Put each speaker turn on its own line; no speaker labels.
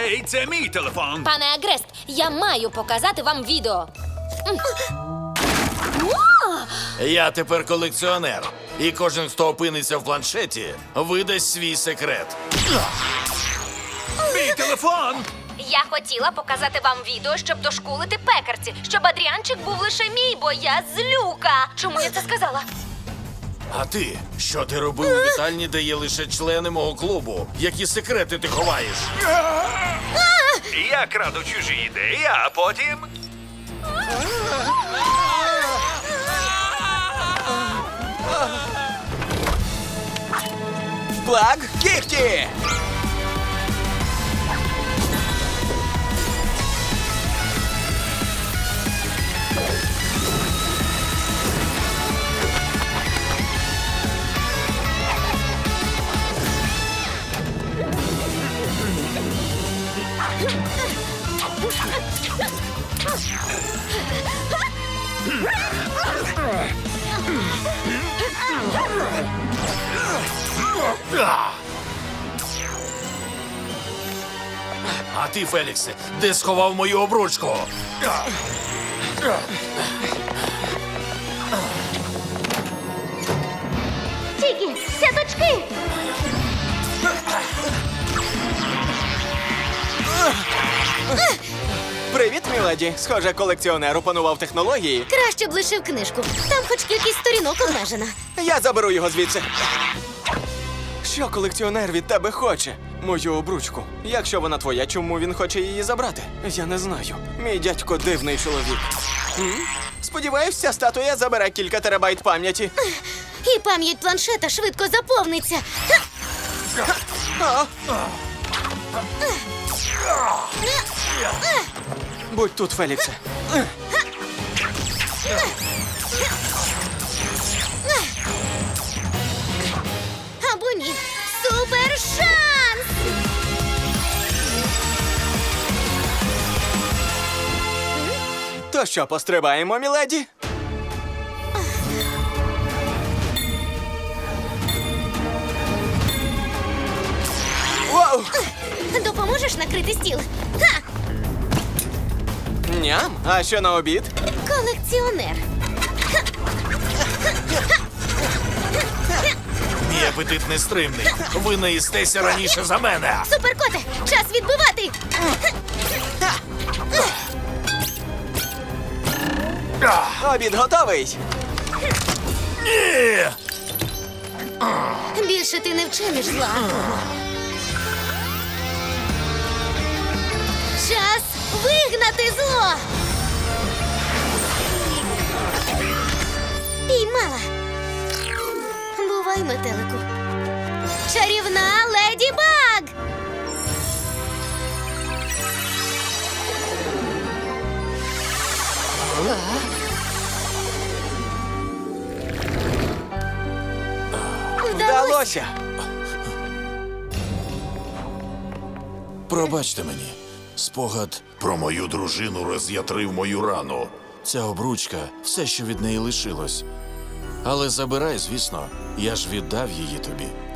Ей, це мій телефон.
Пане Агрест, я маю показати вам відео.
Я тепер колекціонер. І кожен, хто опиниться в планшеті, видасть свій секрет.
Мій телефон.
Я хотіла показати вам відео, щоб дошкулити пекарці, щоб Адріанчик був лише мій, бо я злюка. Чому я це сказала?
А ти? Що ти робив у вітальні, де є лише члени мого клубу? Які секрети ти ховаєш?
Я краду чужі ідеї, а потім...
Плаг кіхті!
А ти, Феліксе, де сховав мою обручку?
Тікі, сяточки!
Привіт, міледі. Схоже, колекціонер опанував технології.
Краще б лишив книжку. Там хоч кількість сторінок обмежена.
Я заберу його звідси. Що колекціонер від тебе хоче? Мою обручку. Якщо вона твоя, чому він хоче її забрати? Я не знаю. Мій дядько дивний чоловік. Сподіваюсь, ця статуя забере кілька терабайт пам'яті.
І пам'ять планшета швидко заповниться.
Будь тут, Феліксе.
Або ні. Супер шанс!
То що, пострибаємо, міледі? Воу!
Допоможеш накрити стіл? Ха!
Ням, а що на обід?
Колекціонер.
Мій апетит нестримний. Ви наїстеся раніше за мене.
Суперкоте, час відбивати!
Обід готовий.
Ні!
Більше ти не вчиниш зла. Час вигнати зло! Піймала. Бувай, метелику. Чарівна Леді Баг!
Вдалося.
Пробачте мені. Спогад про мою дружину роз'ятрив мою рану. Ця обручка – все, що від неї лишилось. Але забирай, звісно. Я ж віддав її тобі.